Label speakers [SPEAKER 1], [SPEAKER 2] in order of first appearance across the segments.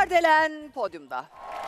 [SPEAKER 1] Kardelen podyumda.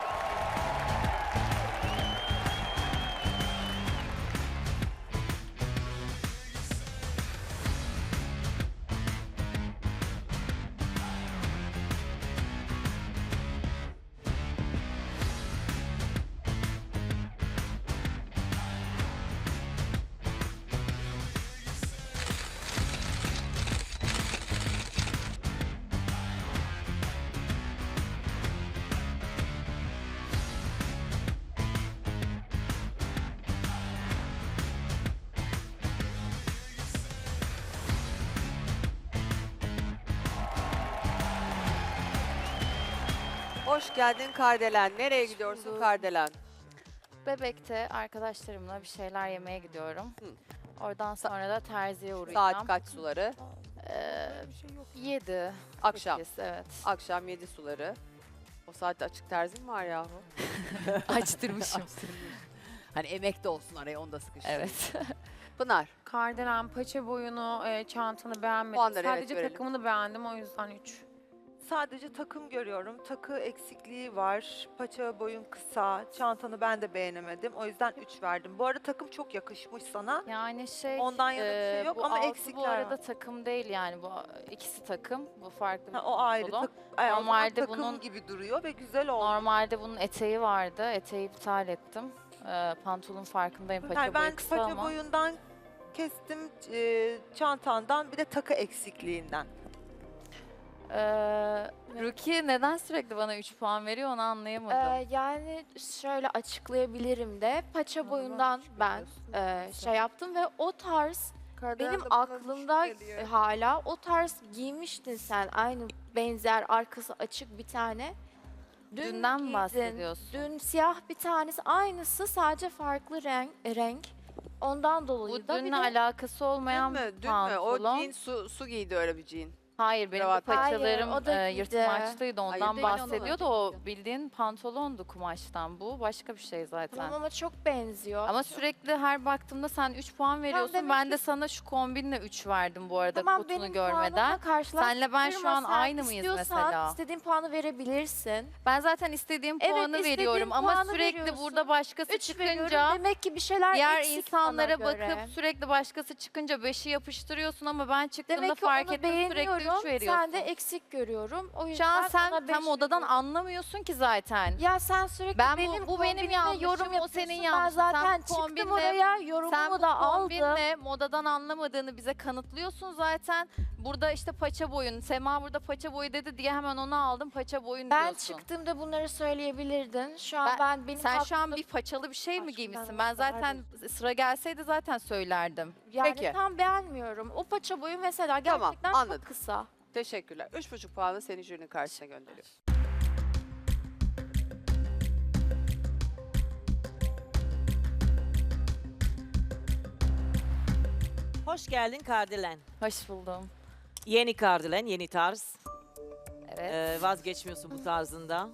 [SPEAKER 1] Hoş geldin Kardelen. Nereye gidiyorsun
[SPEAKER 2] bulduk.
[SPEAKER 1] Kardelen?
[SPEAKER 2] Bebek'te arkadaşlarımla bir şeyler yemeye gidiyorum. Oradan sonra da terziye uğrayacağım.
[SPEAKER 1] Saat kaç suları?
[SPEAKER 2] 7.
[SPEAKER 1] Akşam.
[SPEAKER 2] 8, evet.
[SPEAKER 1] Akşam 7 suları. O saatte açık terzin mi var yahu?
[SPEAKER 2] Açtırmışım.
[SPEAKER 1] Hani emek de olsun araya, onu da sıkıştır.
[SPEAKER 2] Evet.
[SPEAKER 1] Pınar.
[SPEAKER 3] Kardelen paça boyunu, çantanı beğenmedim.
[SPEAKER 1] Puanları evet,
[SPEAKER 3] Sadece
[SPEAKER 1] görelim.
[SPEAKER 3] takımını beğendim, o yüzden 3.
[SPEAKER 4] Sadece takım görüyorum. Takı eksikliği var. Paça boyun kısa. Çantanı ben de beğenemedim. O yüzden 3 verdim. Bu arada takım çok yakışmış sana.
[SPEAKER 2] Yani
[SPEAKER 4] Ondan yana bir şey yok
[SPEAKER 2] bu
[SPEAKER 4] ama
[SPEAKER 2] altı
[SPEAKER 4] eksikler
[SPEAKER 2] bu arada
[SPEAKER 4] var.
[SPEAKER 2] takım değil yani. Bu ikisi takım. Bu farklı bir
[SPEAKER 4] O ayrı.
[SPEAKER 2] pantolon.
[SPEAKER 4] Normalde
[SPEAKER 2] Normalde
[SPEAKER 4] takım
[SPEAKER 2] bunun-
[SPEAKER 4] gibi duruyor ve güzel oldu.
[SPEAKER 2] Normalde bunun eteği vardı. Eteği iptal ettim. Pantolonun farkındayım. Paça
[SPEAKER 4] Yani
[SPEAKER 2] boyu
[SPEAKER 4] ben
[SPEAKER 2] kısa
[SPEAKER 4] paça
[SPEAKER 2] ama.
[SPEAKER 4] boyundan kestim, çantandan bir de takı eksikliğinden.
[SPEAKER 2] Ruki neden sürekli bana 3 puan veriyor onu anlayamadım.
[SPEAKER 5] Yani şöyle açıklayabilirim de paça boyundan ben şey yaptım ve o tarz benim aklımda hala o tarz giymiştin sen, aynı benzer arkası açık bir tane.
[SPEAKER 2] Dünden
[SPEAKER 5] giydin.
[SPEAKER 2] bahsediyorsun.
[SPEAKER 5] Dün siyah bir tanesi, aynısı sadece farklı renk. Ondan dolayı
[SPEAKER 2] Bu
[SPEAKER 5] da bir
[SPEAKER 2] dünle
[SPEAKER 5] de
[SPEAKER 2] alakası olmayan
[SPEAKER 1] Dün mü?
[SPEAKER 2] bir
[SPEAKER 1] Dün mü? O
[SPEAKER 2] pantolon.
[SPEAKER 1] jean su giydi, öyle bir jean.
[SPEAKER 2] Hayır, benim de
[SPEAKER 1] kravat.
[SPEAKER 2] paçalarım
[SPEAKER 5] Hayır, o da giydi.
[SPEAKER 2] yırtmaçlıydı,
[SPEAKER 1] Hayır,
[SPEAKER 2] ondan
[SPEAKER 1] değil,
[SPEAKER 2] bahsediyordu. O bildiğin pantolondu kumaştan. Bu başka bir şey zaten.
[SPEAKER 5] tamam ama çok benziyor.
[SPEAKER 2] Ama sürekli her baktığımda sen 3 puan veriyorsun.
[SPEAKER 5] demek
[SPEAKER 2] Ben de
[SPEAKER 5] ki-
[SPEAKER 2] sana şu kombinle 3 verdim bu arada,
[SPEAKER 5] Tamam,
[SPEAKER 2] kutunu
[SPEAKER 5] benim
[SPEAKER 2] görmeden.
[SPEAKER 5] puanımla karşılaştırma.
[SPEAKER 2] Senle ben şu an
[SPEAKER 5] Sen
[SPEAKER 2] aynı mıyız
[SPEAKER 5] istiyorsan
[SPEAKER 2] mesela?
[SPEAKER 5] istediğin puanı verebilirsin.
[SPEAKER 2] Ben zaten istediğim
[SPEAKER 5] Evet,
[SPEAKER 2] puanı
[SPEAKER 5] istediğin
[SPEAKER 2] veriyorum ama
[SPEAKER 5] puanı
[SPEAKER 2] sürekli
[SPEAKER 5] veriyorsun.
[SPEAKER 2] burada başkası
[SPEAKER 5] 3 veriyorum.
[SPEAKER 2] çıkınca
[SPEAKER 5] Demek ki bir şeyler
[SPEAKER 2] diğer
[SPEAKER 5] eksik
[SPEAKER 2] insanlara
[SPEAKER 5] bana göre.
[SPEAKER 2] bakıp sürekli başkası çıkınca 5'i yapıştırıyorsun ama ben çıktığımda
[SPEAKER 5] Demek ki
[SPEAKER 2] fark
[SPEAKER 5] onu
[SPEAKER 2] ettim sürekli 3
[SPEAKER 5] beğeniyorum.
[SPEAKER 2] veriyorsun.
[SPEAKER 5] Sen de eksik görüyorum. O
[SPEAKER 2] Şu
[SPEAKER 5] yüzden
[SPEAKER 2] an sen
[SPEAKER 5] ona 5
[SPEAKER 2] tam odadan
[SPEAKER 5] veriyorum.
[SPEAKER 2] anlamıyorsun ki zaten.
[SPEAKER 5] Ya sen sürekli
[SPEAKER 2] Ben
[SPEAKER 5] benim
[SPEAKER 2] bu benim
[SPEAKER 5] kombinime
[SPEAKER 2] yanlışım,
[SPEAKER 5] yorum
[SPEAKER 2] o
[SPEAKER 5] yapıyorsun.
[SPEAKER 2] senin
[SPEAKER 5] Ben
[SPEAKER 2] yanlışın.
[SPEAKER 5] zaten
[SPEAKER 2] Sen
[SPEAKER 5] çıktım
[SPEAKER 2] kombinle-
[SPEAKER 5] oraya,
[SPEAKER 2] Sen
[SPEAKER 5] yorumumu
[SPEAKER 2] bu
[SPEAKER 5] da aldım.
[SPEAKER 2] kombinle modadan anlamadığını bize kanıtlıyorsun zaten. Burada işte paça boyun, Sema burada paça boyu dedi diye hemen onu aldım, paça boyun
[SPEAKER 5] Ben
[SPEAKER 2] diyorsun.
[SPEAKER 5] çıktığımda bunları söyleyebilirdin. Şu an benim
[SPEAKER 2] Sen şu an
[SPEAKER 5] hakkımda-
[SPEAKER 2] bir paçalı bir şey mi
[SPEAKER 5] Aşkım,
[SPEAKER 2] giymişsin?
[SPEAKER 5] ben
[SPEAKER 2] Ben
[SPEAKER 5] o kadar
[SPEAKER 2] zaten sıra gelseydi zaten söylerdim.
[SPEAKER 5] yani
[SPEAKER 1] Peki.
[SPEAKER 5] tam beğenmiyorum. O paça boyu mesela
[SPEAKER 1] Tamam,
[SPEAKER 5] gerçekten
[SPEAKER 1] anladım.
[SPEAKER 5] çok kısa.
[SPEAKER 1] Teşekkürler. 3,5 puanı seni jürinin karşısına gönderiyorum.
[SPEAKER 6] Hoş geldin Kardelen.
[SPEAKER 2] Hoş buldum.
[SPEAKER 6] Yeni Kardelen, yeni tarz.
[SPEAKER 2] Evet.
[SPEAKER 6] Vazgeçmiyorsun bu tarzında.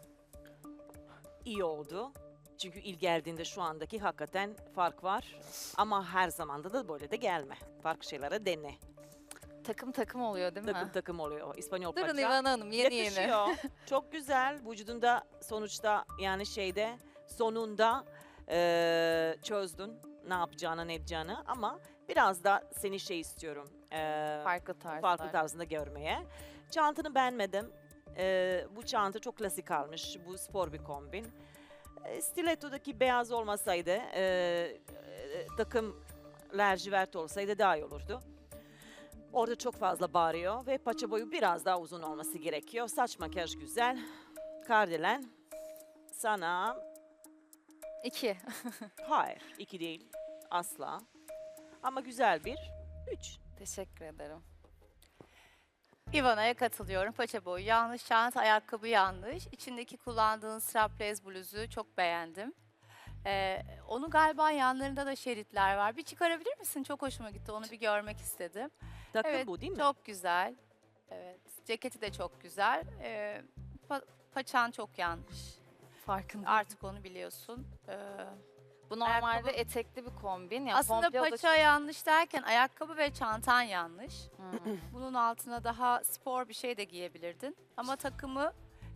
[SPEAKER 6] İyi oldu. Çünkü ilk geldiğinde şu andaki hakikaten fark var. Ama her zamanda da böyle de gelme. Farklı şeylere dene.
[SPEAKER 2] Takım takım oluyor değil mi?
[SPEAKER 6] Takım takım oluyor. İspanyol
[SPEAKER 2] Durun
[SPEAKER 6] paça.
[SPEAKER 2] İvan Hanım, yeni yeni.
[SPEAKER 6] Yakışıyor. Çok güzel. Vücudunda sonuçta yani şeyde sonunda çözdün ne yapacağını ne edeceğini ama biraz da seni şey istiyorum.
[SPEAKER 2] Farklı tarzlar.
[SPEAKER 6] Farklı tarzında görmeye. Çantanı beğenmedim. Bu çanta çok klasik kalmış. Bu spor bir kombin. Stiletto'daki beyaz olmasaydı, takım lacivert olsaydı daha iyi olurdu. Orada çok fazla bağırıyor ve paça boyu biraz daha uzun olması gerekiyor. Saç makyaj güzel. Kardelen sana
[SPEAKER 2] 2.
[SPEAKER 6] hayır 2 değil asla. Ama güzel bir 3.
[SPEAKER 2] Teşekkür ederim.
[SPEAKER 7] Ivana'ya katılıyorum. Paça boyu yanlış, çanta, ayakkabı yanlış. İçindeki kullandığın strapless bluzu çok beğendim. Onu galiba yanlarında da şeritler var. Bir çıkarabilir misin? Çok hoşuma gitti. Onu bir görmek istedim.
[SPEAKER 6] Takım
[SPEAKER 7] Evet,
[SPEAKER 6] bu değil mi?
[SPEAKER 7] çok güzel. Evet, ceketi de çok güzel. Paçan çok yanlış.
[SPEAKER 2] Farkında.
[SPEAKER 7] Artık onu biliyorsun.
[SPEAKER 2] Bu normalde
[SPEAKER 7] ayakkabı-
[SPEAKER 2] etekli bir kombin. Yani
[SPEAKER 7] Aslında
[SPEAKER 2] komple o da
[SPEAKER 7] paça yanlış derken ayakkabı ve çantan yanlış.
[SPEAKER 2] Hmm.
[SPEAKER 7] Bunun altına daha spor bir şey de giyebilirdin. Ama takımı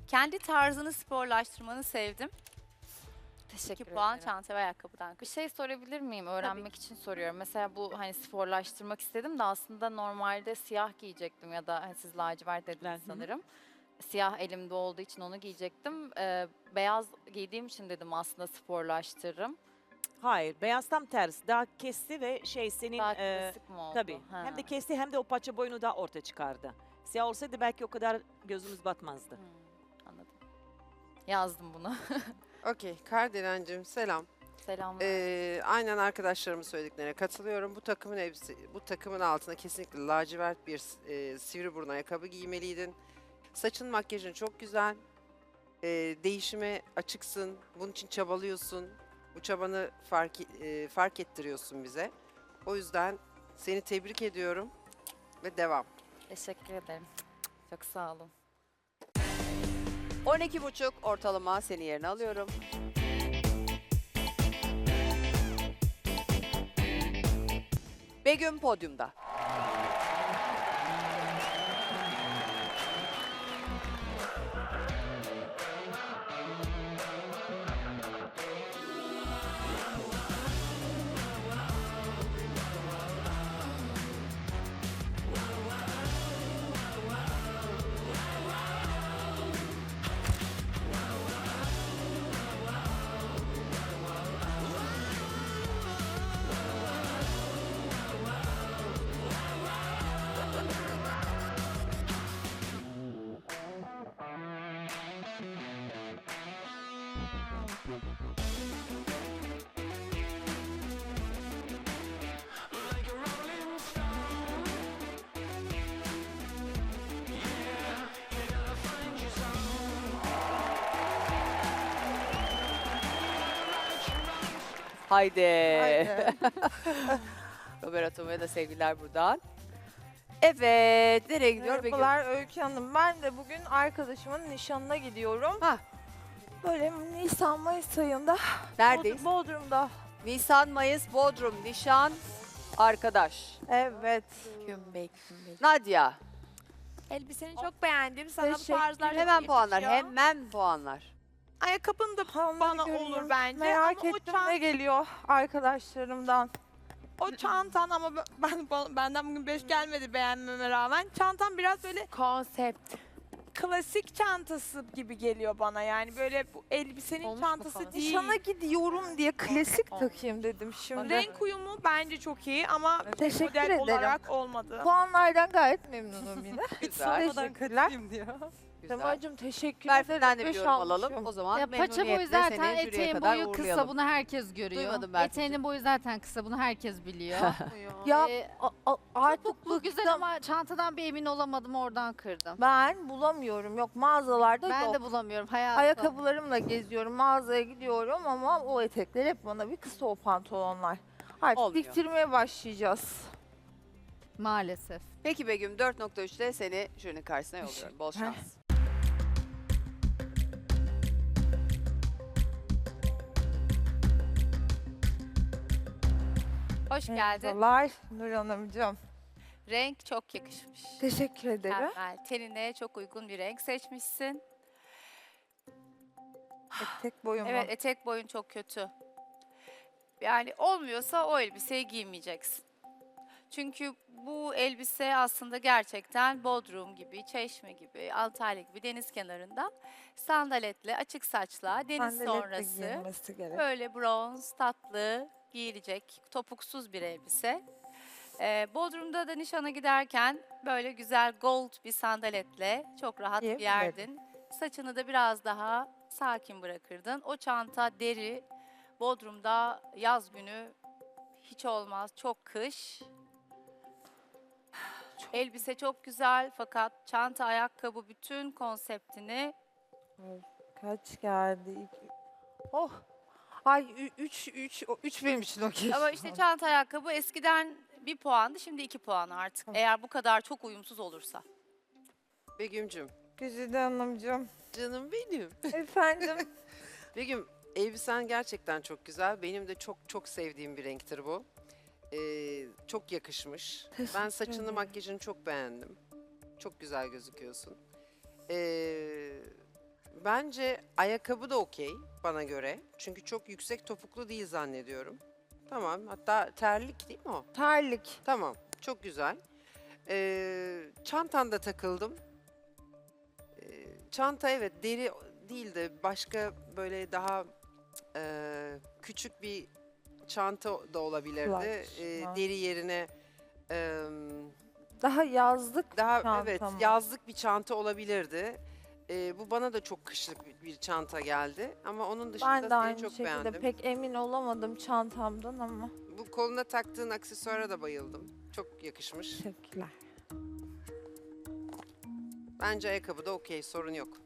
[SPEAKER 7] Kendi tarzını sporlaştırmanı sevdim.
[SPEAKER 2] Teşekkür
[SPEAKER 7] 2 puan
[SPEAKER 2] ederim.
[SPEAKER 7] çanta ve ayakkabıdan.
[SPEAKER 2] Bir şey sorabilir miyim? Öğrenmek için soruyorum. Mesela bu hani sporlaştırmak istedim de aslında normalde siyah giyecektim ya da hani siz lacivert dediniz
[SPEAKER 6] Hı hı.
[SPEAKER 2] sanırım. Siyah elimde olduğu için onu giyecektim. Beyaz giydiğim için dedim aslında sporlaştırırım.
[SPEAKER 6] Hayır, beyaz tam tersi. Daha kesti ve şey senin...
[SPEAKER 2] Daha klasik mi oldu?
[SPEAKER 6] Tabii.
[SPEAKER 2] Ha.
[SPEAKER 6] Hem de kesti hem de o paça boyunu da ortaya çıkardı. Siyah olsaydı belki o kadar gözümüz batmazdı.
[SPEAKER 2] Anladım. Yazdım bunu.
[SPEAKER 8] Okey, Kardelen'cim selam.
[SPEAKER 2] Selamlar.
[SPEAKER 8] Aynen arkadaşlarımın söylediklerine katılıyorum. Bu takımın elbise, bu takımın altına kesinlikle lacivert bir sivri burun ayakkabı giymeliydin. Saçın, makyajın çok güzel. Değişime açıksın. Bunun için çabalıyorsun. Bu çabanı fark ettiriyorsun bize. O yüzden seni tebrik ediyorum ve devam.
[SPEAKER 2] Teşekkür ederim. Çok sağ olun.
[SPEAKER 1] 12,5 ortalama seni yerine alıyorum. Begüm podyumda. Haydi. Robert Atoma'ya da sevgiler buradan. Evet, nereye gidiyor Begüm?
[SPEAKER 9] Merhabalar Öykü Hanım. Ben de bugün arkadaşımın nişanına gidiyorum.
[SPEAKER 1] Hah.
[SPEAKER 9] Böyle Nisan-Mayıs ayında
[SPEAKER 1] Neredeyiz?
[SPEAKER 9] Bodrum'da.
[SPEAKER 1] Nisan, Mayıs, Bodrum, nişan, arkadaş.
[SPEAKER 9] Evet.
[SPEAKER 1] Nadia,
[SPEAKER 9] Elbiseni çok beğendim. Sana bu
[SPEAKER 5] Teşekkür
[SPEAKER 9] tarzlar çok
[SPEAKER 1] hemen puanlar,
[SPEAKER 9] yakışıyor.
[SPEAKER 1] hemen puanlar.
[SPEAKER 9] Ayakkabın da bana
[SPEAKER 5] göreyim.
[SPEAKER 9] olur bence.
[SPEAKER 5] Merak
[SPEAKER 9] ama
[SPEAKER 5] ettim ne geliyor arkadaşlarımdan.
[SPEAKER 9] o çantan ama benden bugün 5 gelmedi beğenmeme rağmen. Çantan biraz böyle konsept. Klasik çantası gibi geliyor bana. Yani böyle bu elbisenin çantası değil.
[SPEAKER 5] Nişana gidiyorum diye klasik takayım dedim şimdi.
[SPEAKER 9] Renk uyumu bence çok iyi ama
[SPEAKER 5] Teşekkür
[SPEAKER 9] model
[SPEAKER 5] ederim.
[SPEAKER 9] olarak olmadı.
[SPEAKER 5] Puanlardan gayet memnunum yine.
[SPEAKER 1] Güzel.
[SPEAKER 5] Teşekkürler.
[SPEAKER 1] Güzel.
[SPEAKER 5] Semacığım teşekkür
[SPEAKER 1] Berfin'den de bir
[SPEAKER 5] Beş
[SPEAKER 1] yorum alalım.
[SPEAKER 5] almışım.
[SPEAKER 1] O zaman
[SPEAKER 10] Ya paça boyu
[SPEAKER 1] memnuniyetle
[SPEAKER 10] zaten
[SPEAKER 1] seni jüriye
[SPEAKER 10] eteğin
[SPEAKER 1] kadar
[SPEAKER 10] boyu kısa,
[SPEAKER 1] uğurlayalım.
[SPEAKER 10] bunu herkes görüyor.
[SPEAKER 1] Duymadım Berfin'cim.
[SPEAKER 10] Eteğinin boyu zaten kısa, bunu herkes biliyor.
[SPEAKER 5] Ya artık
[SPEAKER 10] Bu güzel
[SPEAKER 5] bıktım.
[SPEAKER 10] ama çantadan bir emin olamadım, oradan kırdım.
[SPEAKER 5] Ben bulamıyorum. Yok mağazalarda
[SPEAKER 10] Ben
[SPEAKER 5] yok.
[SPEAKER 10] de bulamıyorum hayatım.
[SPEAKER 5] Ayakkabılarımla geziyorum, mağazaya gidiyorum ama o etekler hep bana bir kısa o pantolonlar. Artık
[SPEAKER 1] Olmuyor.
[SPEAKER 5] diktirmeye başlayacağız.
[SPEAKER 10] Maalesef.
[SPEAKER 1] Peki Begüm 4.3'te seni jürinin karşısına yolluyorum. Bol şans.
[SPEAKER 7] Hoş geldin.
[SPEAKER 5] Merhabalar Nur Hanımcığım.
[SPEAKER 7] Renk çok yakışmış.
[SPEAKER 5] Teşekkür ederim.
[SPEAKER 7] Mükemmel. Tenine çok uygun bir renk seçmişsin.
[SPEAKER 5] Etek boyumu.
[SPEAKER 7] Evet, etek boyun çok kötü. Yani olmuyorsa o elbiseyi giymeyeceksin. Çünkü bu elbise aslında gerçekten Bodrum gibi, Çeşme gibi, Antalya gibi deniz kenarında sandaletle, açık saçla, deniz
[SPEAKER 5] Sandaletle
[SPEAKER 7] sonrası
[SPEAKER 5] giyilmesi gerek.
[SPEAKER 7] böyle bronz, tatlı, giyilecek, topuksuz bir elbise. Bodrum'da da nişana giderken böyle güzel gold bir sandaletle çok rahat
[SPEAKER 5] Giyebilirim.
[SPEAKER 7] giyerdin. Saçını da biraz daha sakin bırakırdın. O çanta deri, Bodrum'da yaz günü hiç olmaz, çok kış. Elbise çok güzel fakat çanta, ayakkabı bütün konseptini
[SPEAKER 5] Kaç geldi? Oh. Ay 3 benim için okey.
[SPEAKER 7] ama işte çanta, ayakkabı eskiden 1 puandı, şimdi 2 puan artık. Eğer bu kadar çok uyumsuz olursa.
[SPEAKER 8] Begüm'cüm,
[SPEAKER 5] Güzide Hanımcığım.
[SPEAKER 8] canım benim.
[SPEAKER 5] Efendim.
[SPEAKER 8] Begüm, elbisen gerçekten çok güzel. Benim de çok çok sevdiğim bir renktir bu. Çok yakışmış. Ben
[SPEAKER 5] Teşekkür
[SPEAKER 8] saçını,
[SPEAKER 5] ederim.
[SPEAKER 8] makyajını çok beğendim. Çok güzel gözüküyorsun. Bence ayakkabı da okey bana göre. Çünkü çok yüksek topuklu değil zannediyorum. Tamam. Hatta terlik değil mi o?
[SPEAKER 9] Terlik.
[SPEAKER 8] Tamam. Çok güzel. Çantanda takıldım. Çanta evet deri değil de başka böyle daha küçük bir çanta da olabilirdi.
[SPEAKER 9] Clutch,
[SPEAKER 8] Deri yerine
[SPEAKER 9] Daha yazlık
[SPEAKER 8] daha
[SPEAKER 9] çanta
[SPEAKER 8] evet
[SPEAKER 9] mı?
[SPEAKER 8] yazlık bir çanta olabilirdi. Bu bana da çok kışlık bir çanta geldi. Ama onun dışında
[SPEAKER 9] Ben de
[SPEAKER 8] seni
[SPEAKER 9] aynı
[SPEAKER 8] çok
[SPEAKER 9] şekilde
[SPEAKER 8] beğendim.
[SPEAKER 9] pek emin olamadım çantamdan ama.
[SPEAKER 8] Bu koluna taktığın aksesuara da bayıldım. Çok yakışmış.
[SPEAKER 9] Teşekkürler.
[SPEAKER 8] Bence ayakkabı da okey, sorun yok.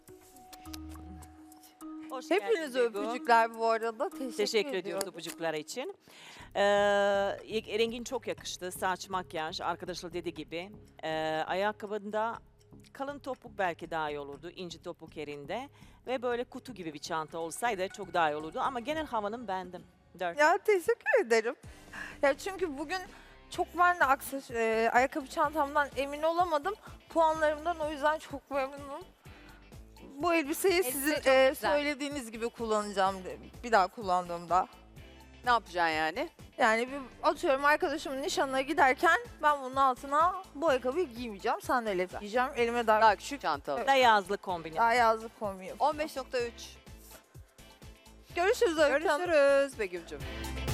[SPEAKER 6] Hoş
[SPEAKER 9] Hepinize
[SPEAKER 6] geldin Duygu.
[SPEAKER 9] öpücükler bu arada.
[SPEAKER 6] Teşekkür ediyoruz öpücükler için. Rengin çok yakıştı. Saç, makyaj, arkadaşlar dediği gibi. Ayakkabında kalın topuk belki daha iyi olurdu. İnce topuk yerinde. Ve böyle kutu gibi bir çanta olsaydı çok daha iyi olurdu. Ama genel havanın beğendim. 4.
[SPEAKER 9] Ya teşekkür ederim. Ya çünkü bugün çok ben de ayakkabı çantamdan emin olamadım. Puanlarımdan o yüzden çok memnunum. Bu elbiseyi
[SPEAKER 1] Elbise
[SPEAKER 9] sizin
[SPEAKER 1] çok güzel.
[SPEAKER 9] söylediğiniz gibi kullanacağım bir daha kullandığımda.
[SPEAKER 1] Ne yapacaksın yani?
[SPEAKER 9] Yani bir atıyorum arkadaşımın nişanına giderken ben bunun altına bu ayakkabıyı giymeyeceğim. Sandalye giyeceğim. Elime
[SPEAKER 1] Daha küçük çantalı.
[SPEAKER 6] Da yazlık kombin.
[SPEAKER 9] daha yazlık kombin yapacağım.
[SPEAKER 1] 15.3.
[SPEAKER 9] Görüşürüz Öykü Hanım.
[SPEAKER 1] Görüşürüz Begüm'cüm.